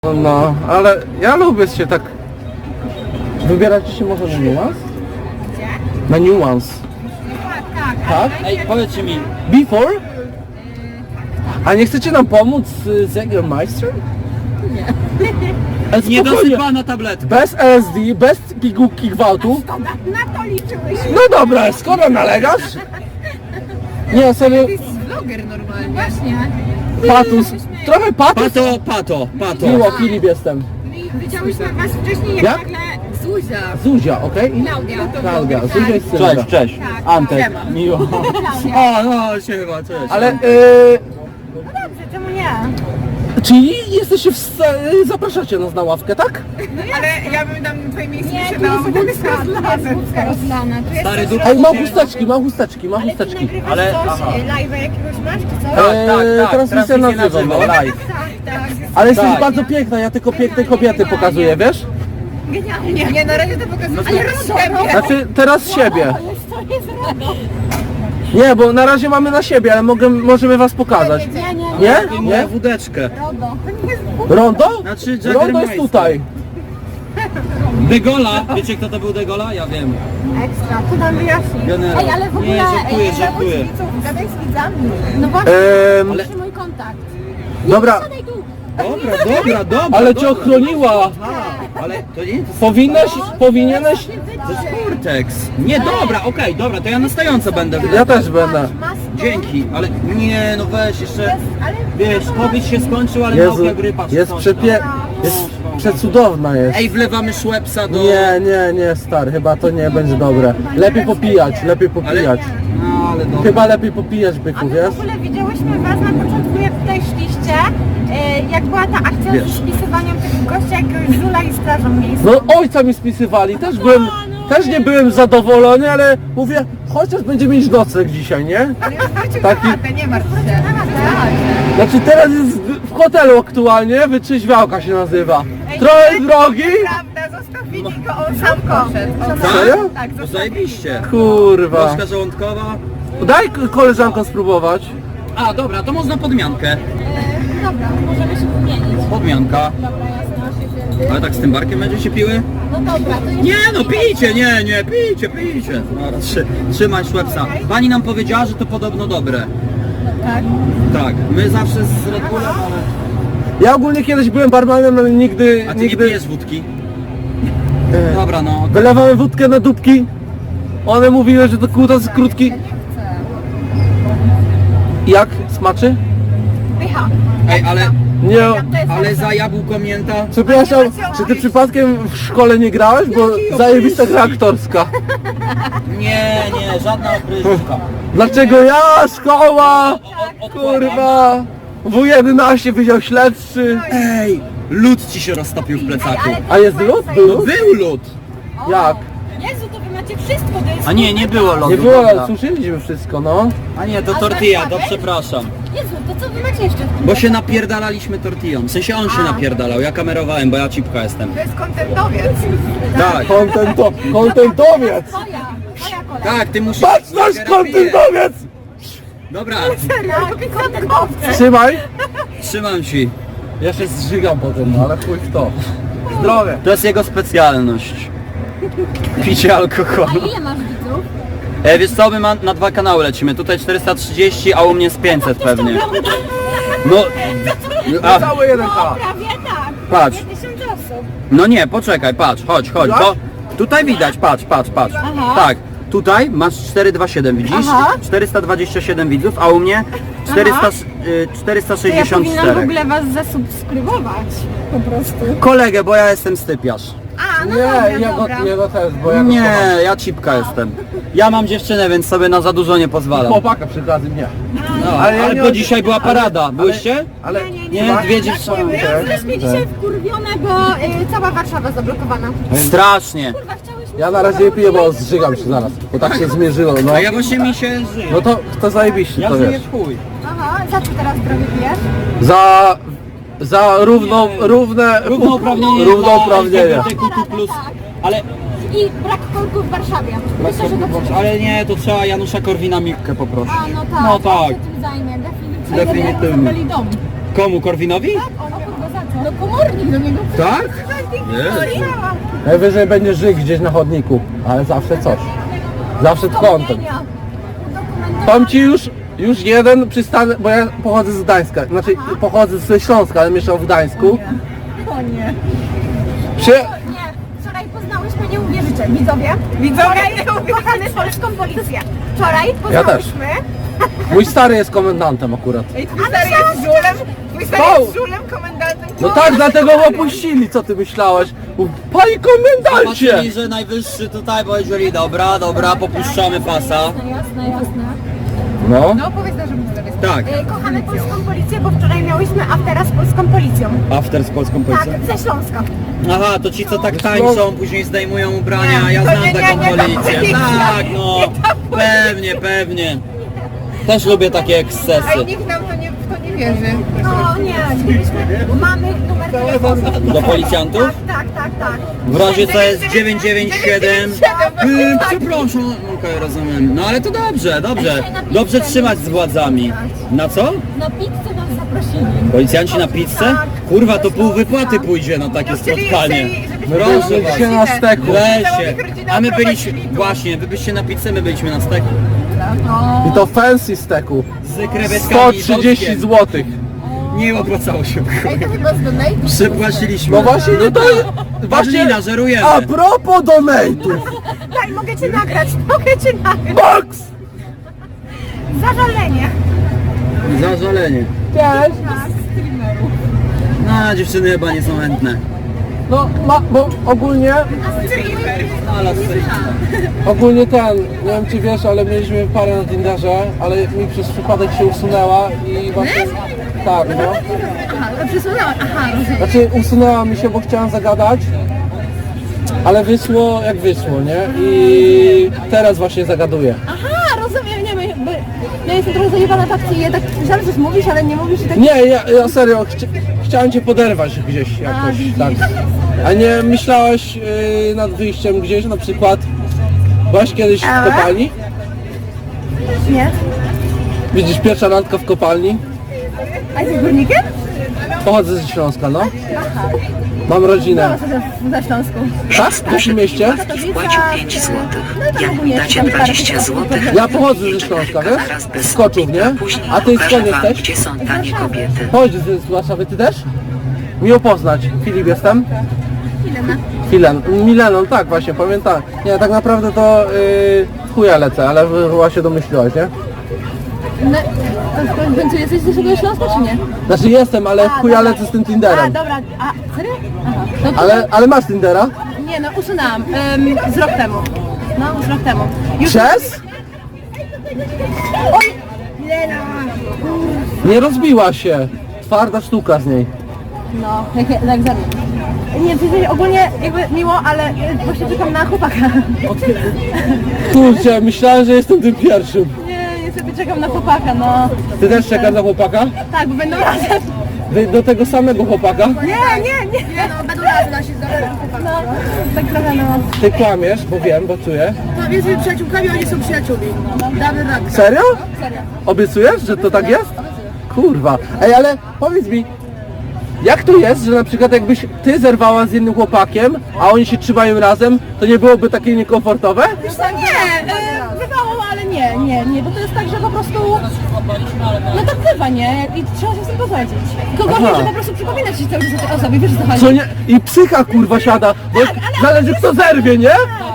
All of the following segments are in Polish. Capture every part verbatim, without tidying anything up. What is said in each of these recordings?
No, ale ja lubię się tak... Wybieracie się może na niuans? Gdzie? Na niuans. Tak, tak. Tak? Ej, powiedzcie mi, Before? A nie chcecie nam pomóc z Jägermeister? Nie. Ale spokojnie. niedosypana tabletka. Bez L S D, bez pigułki gwałtu. Szkoda, na to liczyłyśmy. No dobra, skoro nalegasz? Nie, serio, Ty jesteś vloger normalnie. Właśnie. patus. Trochę patus. Pato, pato, pato. Miło, Filip jestem. Widziałyśmy was wcześniej, jak Jak? nagle Zuzia. Zuzia, okej? I Klaudia. Klaudia, Zuzia jest Cześć, Sylwia. cześć. Tak, Antek, siema. miło. Klaudia. O, no, siema, cześć. Ale, yy, No dobrze, czemu nie? czyli jesteście w... sta- zapraszacie nas na ławkę, tak? Ale ja bym tam twoje miejsce Nie, nie tu jest siadała, bo tam jest wódka, tu jest rozlane. wódka rozlana. Tu jest Stary coś- duch. Ej, mam chusteczki, mam chusteczki, mam Ale ty chusteczki. nagrywasz Ale- coś, aha. e, live'a jakiegoś masz, czy co? Tak, tak, Eee, tak, transmisja na żywo, no. live. Tak, tak. Ale jesteś Tak. bardzo piękna, ja tylko piękne kobiety pokazuję, wiesz? Genialnie. Nie, na razie to pokazuję Ale tylko rozumiem. siebie. Znaczy, teraz siebie. Ale to jest RODO. Nie, bo na razie mamy na siebie, ale mogę, możemy was pokazać. Nie, nie, nie. Nie? Wyjmuję Nie? wódeczkę. RODO. Rondo? Znaczy Rondo jest tutaj. Degola, wiecie kto to był Degola? Ja wiem. Ekstra, to nam wyjaśni. Generał. Ej, ale w ogóle... Nie, żartuję, e, żartuję. Gadaj z widzami. No właśnie, Ehm, Ale- ale... mój kontakt. Dobra, Siadaj tu. Dobra, dobra, dobra. ale cię dobra. ochroniła. Aha, ale to nie to Powinieneś, powinieneś... jest Kurtex. Nie, dobra, okej, dobra, to ja na stojąco będę. Ja też będę. Dzięki, ale nie, no weź jeszcze, Ale... wiesz, COVID się skończył, ale Jezu, nauka grypa czy jest coś przepie... tam. jest przecudowna jest. Ej, wlewamy Szwepsa do... Nie, nie, nie, stary, chyba to nie będzie dobre. Lepiej popijać, lepiej popijać. No, ale dobra. Chyba lepiej popijać, byku, A my wiesz? w ogóle widziałyśmy was na początku, jak tutaj szliście, e, jak była ta akcja Wiesz. z spisywaniem tego gościa, jakiegoś żula i strażą miejską. No ojca mi spisywali, też byłem, też nie byłem zadowolony, ale mówię, chociaż będzie mieć nocleg dzisiaj, nie? Ale już wrócił Taki- na chatę, nie martw się. Znaczy teraz jest w hotelu aktualnie, wytrzeźwiałka się nazywa. Trochę drogi, Prawda, zostawili go, on sam poszedł. On sam- Serio? Tak, No zostawili. zajebiście. kurwa. Troszka żołądkowa. Daj koleżankom spróbować. A, dobra, to można podmiankę. Dobra, możemy się wymienić. Podmianka. Dobra, jasne, się Ale tak z tym barkiem będziecie piły? No dobra, to jest... Nie no, pijcie, nie, nie, pijcie, pijcie. Dobra, trzy, trzymaj Szwepsa. Pani nam powiedziała, że to podobno dobre. Tak. Tak, my zawsze z Red Bullem, ale... Ja ogólnie kiedyś byłem barmanem, ale nigdy, A ty nie nigdy... pijesz wódki? Dobra, no. Wylewałem wódkę na dupki. One mówiły, że to kutas krótki. Nie chcę. Jak? Smaczy? Pycha. Ej, ale, Nie. ale za jabłko mięta... Przepraszam, czy ty przypadkiem w szkole nie grałeś? Bo zajebista gra aktorska. Nie, nie, żadna opryszka. Dlaczego ja? Szkoła! Kurwa! W jedenaście wydział śledczy. Ej, lód ci się roztopił w plecaku. A jest lód? Był lód? Był lód! Jak? Jezu, to wy macie wszystko, to jest... A nie, nie było lodu. Nie było, prawda? suszyliśmy wszystko, no. A nie, to tortilla, to przepraszam. Jezu, to co wy macie jeszcze w tym? Bo się napierdalaliśmy tortillą. W sensie on się napierdalał, ja kamerowałem, bo ja cipka jestem. To jest kontentowiec. Tak, Kontento, kontentowiec! Twoja, twoja kolej. tak, ty musisz... Patrz nasz kontentowiec! Dobra, Tak, kontenkowcy. Trzymaj! trzymam ci. Ja się zżygam potem, no ale chuj w to. Zdrowie! To jest jego specjalność. Picie A alkoholu. ile masz widzów? E, wiesz co, my ma, na dwa kanały lecimy. Tutaj czterysta trzydzieści, a u mnie z pięćset pewnie. No, a, Cały jeden K. Prawie tak. Patrz. Prawie tysiąc osób. no nie, poczekaj, patrz, chodź, chodź. To, tutaj widać, patrz, patrz, patrz. Aha. Tak, tutaj masz czterysta dwadzieścia siedem, widzisz? Aha. czterysta dwadzieścia siedem widzów, a u mnie czterysta, y, czterysta To ja sześćdziesiąt powinnam w cztery. ogóle was zasubskrybować. Po prostu. Kolegę, bo ja jestem stypiarz. A, no Nie, dobra, jego, dobra. jego też, bo ja go Nie, kocham. ja cipka jestem. Ja mam dziewczynę, więc sobie na za dużo nie pozwalam. Chłopaka przy okazji nie. No, Ale ja ale nie- bo dzisiaj była parada. Byłyście? Ale Nie, nie, Nie, Tak? dwie dziewczyny. Tak. Jesteśmy dzisiaj wkurwione, bo y, cała Warszawa zablokowana. Strasznie. Kurwa, chciałyśmy... Ja na razie nie piję, bo zżygam się zaraz. Bo tak się zmierzyło, no. A ja właśnie mi się żyję. No to, to zajebiście, Ja to żyję wiesz. w chuj. Aha, za co teraz zdrowie pijesz? Za... Za równą, równe... Równouprawnienie Równouprawnienie. dla L G B T Q plus. Ale, I brak korków w Warszawie. Myślę, że to przeczytam. ale nie, to trzeba Janusza Korwina-Mikke poprosić. A, no tak. No ja tak. się tym zajmie, definitywnie. Definitywnie. Dom. Komu, Korwinowi? Tak, o, no kurwa, za co? No komornik do niego. Tak? Jezu. Najwyżej będzie żyć gdzieś na chodniku, ale zawsze coś. Zawsze kątem. Powiem ci już, już jeden przystanek, bo ja pochodzę z Gdańska, znaczy pochodzę ze Śląska, ale mieszkam w Gdańsku. O nie. Przy... Nie, wczoraj poznałyśmy, nie uwierzycie, widzowie. Widzowie, Wczoraj kochamy polską policję. Wczoraj Ja też. poznałyśmy. Mój stary jest komendantem akurat. Ej, twój stary jest żulem, twój stary O! jest żulem, komendantem. No tak, dlatego go opuścili, co ty myślałeś? Mów, Panie komendancie! Zobaczyli, że najwyższy tutaj powiedzieli, dobra, dobra, popuszczamy pasa. Jasne, jasne. No. No powiedz na, że mój stary jest. Tak, E, Kochamy polską policję, bo wczoraj miałyśmy aftera z polską policją. after z polską Tak, policją. ze Śląska. Aha, to ci co tak tańczą, później zdejmują ubrania, ja to znam nie, taką nie, nie, to policję. policja. Tak, no, pewnie, pewnie. Też lubię takie ekscesy. Ej, nikt nam to nie, w to nie wierzy. No nie, mieliśmy, mamy numer telefonu. Do policjantów? Tak, tak, tak, tak. W razie co jest dziewięć dziewięć siedem. Yy, przepraszam. Okej, rozumiem. No ale to dobrze, dobrze. Dobrze trzymać z władzami. Na co? Na pizzę nas zaprosili. Policjanci na pizzę? Kurwa, to pół wypłaty pójdzie na takie Chcieli- spotkanie. chcieli, żebyśmy Proszę mieli was. się na steku. Weźcie. rodzinę A my byliśmy, oprowadzili tu. właśnie, wy byście na pizzę, my byliśmy na steku. I to fancy steku. Z krewetkami sto i trzydzieści boczkiem. złotych. Nie opłacało się. Ej, to chyba z donate'u. Przypłaciliśmy. No właśnie, no to właśnie. Marlina, żerujemy. A propos donate'ów. Tak, mogę cię nagrać, mogę cię nagrać. Box! Zażalenie. Zażalenie. Cześć. No, dziewczyny chyba nie są chętne. No, ma, bo ogólnie, Ale ogólnie ten, nie wiem czy wiesz, ale mieliśmy parę na Tinderze, ale mi przez przypadek się usunęła i właśnie, tak no. Aha, przesunęłam, aha, rozumiem. Znaczy usunęła mi się, bo chciałam zagadać, ale wyszło jak wyszło, nie? I teraz właśnie zagaduję. Aha, rozumiem, nie, my, my, ja jestem trochę zajebana w akcji, ja tak myślałam, że coś mówisz, ale nie mówisz i tak... Nie, ja, ja serio, chci chciałem cię poderwać gdzieś jakoś, widzisz. tak. A nie myślałaś yy, nad wyjściem gdzieś, na przykład, byłaś kiedyś w kopalni? Nie. Widzisz, pierwsza randka w kopalni? A jesteś górnikiem? Pochodzę ze Śląska, no. Mam rodzinę. Na Śląsku. Tak? W jakim mieście? Wpłacił pięć złotych. No to Jak ogólnie dacie tam parę dwadzieścia tysięcy. złotych, Ja pochodzę ze Śląska, wiesz? zaraz bez Z Koczów, nie? Później A ty pokażę skąd wam, jesteś? gdzie są tanie kobiety. Chodź z Warszawy, ty też? Miło poznać. Filip jestem. Milena. Filen. Mileną, tak właśnie, pamiętam. Nie, tak naprawdę to yy, chuja lecę, ale chyba się domyśliłaś, nie? No, to w końcu jesteś z naszego Śląska, czy nie? Znaczy jestem, ale A, chuja dobra. lecę z tym A, Tinderem. dobra, a, serio? Aha. No to, Ale, ale masz Tindera? Nie, no usunęłam, um, z rok temu. No, z rok temu. Już... Przez? Oj! Milena! Nie rozbiła się. Twarda sztuka z niej. No, jak, jak egzamin. Nie, w sensie ogólnie jakby miło, ale e, właśnie czekam na chłopaka. Kurczę, myślałem, że jestem tym pierwszym. Nie, niestety czekam na chłopaka, no. Ty też czekasz na chłopaka? Tak, bo będą razem. Wy do tego samego chłopaka? Nie, nie, nie. Nie no, będą razem nasi z No, tak trochę no. Ty kłamiesz, bo wiem, bo czuję. To jesteśmy przyjaciółkami, oni są przyjaciółmi. Damy radę. Serio? Serio. Obiecujesz, że to tak jest? Kurwa. Ej, ale powiedz mi, jak to jest, że na przykład jakbyś ty zerwała z jednym chłopakiem, a oni się trzymają razem, to nie byłoby takie niekomfortowe? Wiesz co, nie, e, bywało, ale nie, nie, nie, bo to jest tak, że po prostu, no tak bywa, nie, i trzeba się z tym pogodzić. Kogo Aha. nie, że po prostu przypominać ci cały czas o tej osobie, wiesz o co chodzi? Co nie? I psycha kurwa siada, bo zależy kto zerwie, nie?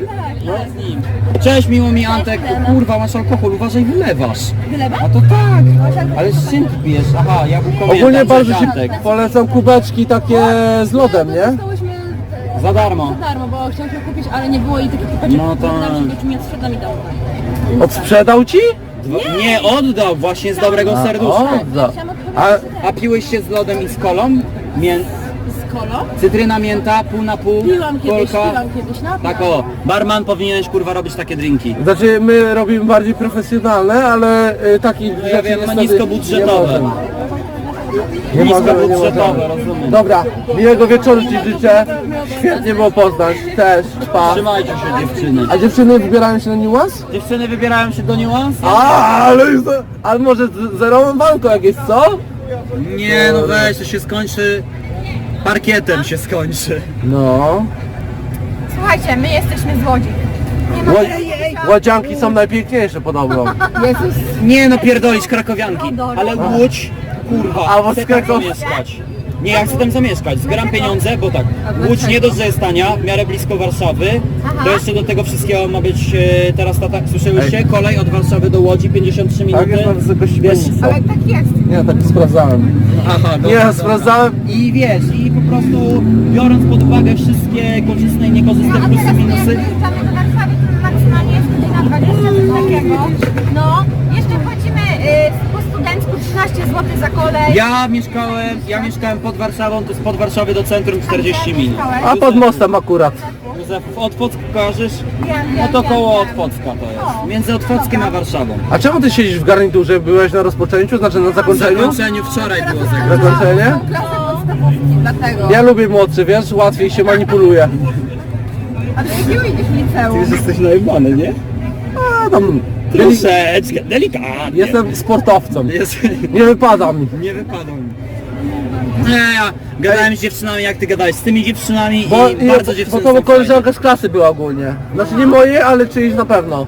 Cześć, miło mi Antek. Kurwa, masz alkohol, uważaj, wylewasz. Wylewa? A to tak. Ale z czym ty pijesz? Aha, ja Ogólnie pamiętam, bardzo cześć, ci Antek. polecam kubeczki takie z lodem, nie? Dostałyśmy Za darmo. za darmo, bo chciałyśmy kupić, ale nie było i takich kupaczek, No to- czy mnie sprzeda mi dał. Odsprzedał ci? Dwa- Nie, oddał, właśnie z dobrego A, serduszka. odda. A, A piłeś się z lodem i z kolą? Mię... Z kolą? Cytryna, mięta, pół na pół, Piłam kiedyś, kolka. piłam kiedyś, no. Tak o, barman powinieneś kurwa robić takie drinki. znaczy my robimy bardziej profesjonalne, ale y, takich ja rzeczy wiem, niestety niskobudżetowe. nie możemy. Nie możemy, nie Niskobudżetowe, możemy. rozumiem. Dobra, miłego wieczoru ci życzę. Świetnie było poznać. Też, pa. Trzymajcie się dziewczyny. A dziewczyny wybierają się na niuans? Dziewczyny wybierają się do niuans? A, ale już, ale może z zerową banką jakieś, co? Nie, no weź, to się skończy parkietem się skończy. No. Słuchajcie, my jesteśmy z Łodzi. Nie ma Ło- Łodzianki są najpiękniejsze podobno. Jezus. Nie no, pierdolić krakowianki, ale Łódź, kurwa, A, bo chcę z tam Krakow- zamieszkać. Nie, ja chcę tam zamieszkać, zbieram pieniądze, bo tak, Łódź nie dość, że jest tania, w miarę blisko Warszawy, to jeszcze do tego wszystkiego ma być e, teraz, ta, tak, słyszałyście, kolej od Warszawy do Łodzi, pięćdziesiąt trzy minuty. Tak jest na wysokości Wiesz, Mielca. Ale tak jest. Nie, tak sprawdzałem. Aha, Nie, ja sprawdzałem. I wiesz, i po prostu biorąc pod uwagę wszystkie korzystne i niekorzystne A plusy, teraz jak minusy, wyjeżdżamy do Warszawy, to maksymalnie jest godzina dwadzieścia, coś takiego. No, jeszcze płacimy y, po studencku trzynaście złotych za kolej. ja mieszkałem, ja mieszkałem pod Warszawą, to jest pod Warszawy do centrum czterdzieści minut. A pod mostem akurat. Józef, Otwock kojarzysz? Wiem, No wiem, to wiem, koło wiem. Otwocka to jest. Między Otwockiem a Warszawą. A czemu ty siedzisz w garniturze? Byłeś na rozpoczęciu, znaczy na W zakończeniu? zakończeniu wczoraj było zakończenie. Zakończenie? Klasę podstawówki, dlatego. Ja lubię młodszy, wiesz, łatwiej się manipuluje. A ty jakiego idziesz liceum? jesteś najebany, nie? A tam... Deli- Troszeczkę, delikatnie. jestem sportowcem. Jest, Nie wypada mi. nie wypadło mi. Nie, ja gadałem z dziewczynami jak ty gadałeś, z tymi dziewczynami Bo, i i, bardzo bo dziewczyny to są bo koleżanka z klasy była ogólnie. Znaczy nie moje, ale czyjś na pewno.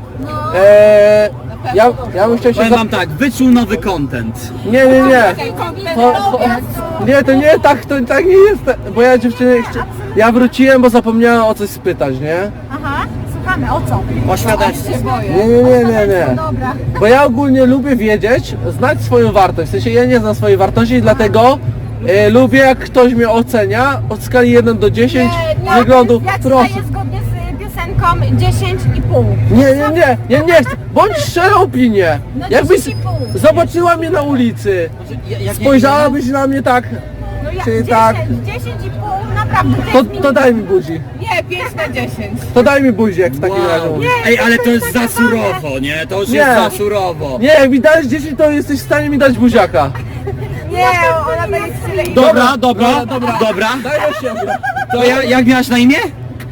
Eee, ja, ja bym chciał się... Powiem Za... wam tak, wyczuł nowy content. Nie, nie, nie. To, to, nie, to nie, tak, to tak nie jest. Bo ja dziewczyny... chcia- Ja wróciłem, bo zapomniałem o coś spytać, nie? Aha, słuchamy, o co? O świadectwie. Nie, nie, nie, nie, nie. Dobra. Bo ja ogólnie lubię wiedzieć, znać swoją wartość. W sensie ja nie znam swojej wartości, dlatego e, lubię jak ktoś mnie ocenia od skali jeden do dziesięciu wyglądu. Ja ci Proszę. daję zgodnie z piosenką dziesięć i pół. Nie, nie, nie, ja nie chcę. Bądź szczerą opinię. No Jakbyś dziesięć i pół. zobaczyła mnie na ulicy, Ja- jak nie- spojrzałabyś na mnie tak, No ja Czyli dziesięć, tak. dziesięć i pół, naprawdę. to, jest to daj mi buzi. Nie, pięć na dziesięć. To daj mi buzi, jak w takim razie Wow. mówisz. Ej, ale to jest za surowo, nie? To już Nie. jest za surowo. Nie, jak mi dajesz dziesięć, to jesteś w stanie mi dać buziaka. Nie, ona daje tyle i... Dobra, dobra, dobra, dobra. Daj do siebie. To ja, jak miałaś na imię?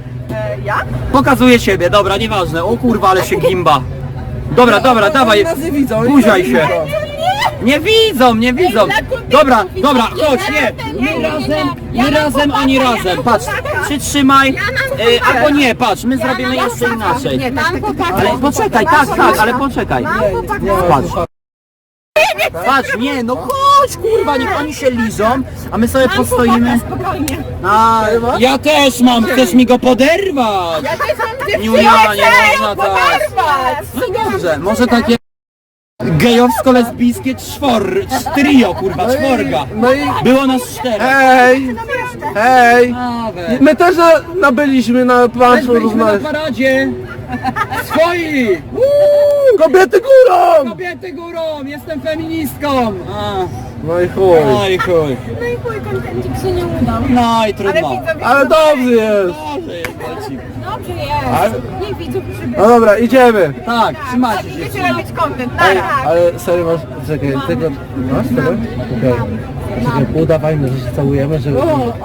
E, ja? Pokazuję siebie, dobra, nieważne. O kurwa, ale się gimba. Dobra, dobra, dawaj. Oni nas nie widzą. oni Buziaj nas się. nie widzą. Nie widzą, nie widzą. Dobra, dobra, chodź, nie. My razem, my razem, oni razem. Patrz, przytrzymaj. E, albo nie, patrz, my zrobimy jeszcze inaczej. Mam chłopaka. Ale poczekaj, tak, tak, ale poczekaj. Nie, Patrz. Patrz, nie, no chodź, kurwa, niech oni się liżą, a my sobie postoimy. Spokojnie. A, ja też mam, chcesz mi go poderwać? Ja też mam dziewczynę. Julia, nie można tak. No dobrze, może takie gejowsko-lesbijskie czwor, trio, kurwa, czworga. No i... Było nas cztery. Hej! Hej! Nawet. My też na- nabyliśmy na Też planszu byliśmy na różne... paradzie. Swoi! Kobiety górą! Kobiety górą, jestem feministką. A, No i chuj. no i chuj. No i chuj, kontencik się nie udał. No i Ale trudno. widzowie... Ale dobrze jest. Dobrze jest, leci. Dobrze jest. Ale- Nie widzów przybył. No dobra, idziemy. Tak, trzymajcie się. Będziecie robić content, Ej, tak? ale serio masz... Czekaj, tego... Masz tego? Okej. Czekaj, udawajmy, że się całujemy, żeby...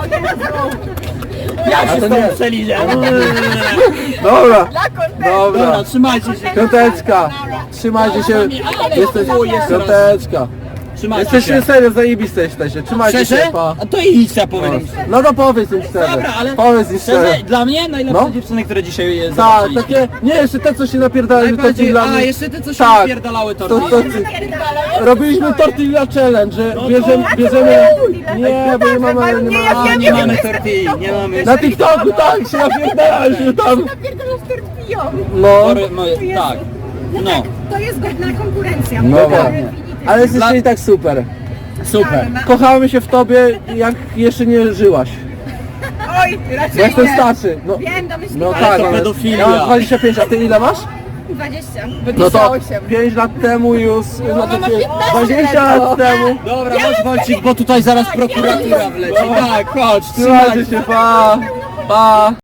Ja A się to z tobą nie. przeliżę. Dobra, Dla contentu. dobra. Dobra, trzymajcie się. Piąteczka, trzymajcie się. Jesteś... Piąteczka. Trzymajcie Jesteście się. serio, zajebiste jesteście. Trzymajcie Szczerze? się, pa. A to idź, ja powiem. No to powiedz im szczerze. Dobra, ale Powiedz im szczerze. szczerze, dla mnie najlepsze No. dziewczyny, które dzisiaj je Tak, zobaczyliśmy. takie... Nie, jeszcze te, co się napierdalały, to ci Najbardziej, dla a mnie... jeszcze te, co się Tak. napierdalały To, torty. to, robiliśmy tortilla challenge, że bierzemy, bierzemy... Nie, bo nie mamy... Nie ja mamy A, wiem, nie wiem, mamy wiem, tortilli, nie mamy. na TikToku tak, się napierdalaliśmy tam. Napierdalasz tortillą. No, Tory, moje, tak. No, To jest godna konkurencja. dobra. Ale jesteście i tak super. super. Kochamy się w tobie, jak jeszcze nie żyłaś. Oj, Bo raczej jestem nie. starszy. No, Wiem, domyśliłam. no Ale tak, to ale pedofilia. ja mam dwadzieścia pięć, a ty ile masz? dwadzieścia. No to osiem. pięć lat temu już, znaczy ma piętnaście dwadzieścia lat temu. Dobra, chodź Wojcik, bo tutaj zaraz prokuratura wleci. Tak, chodź, Trzymajcie się, pa, pa.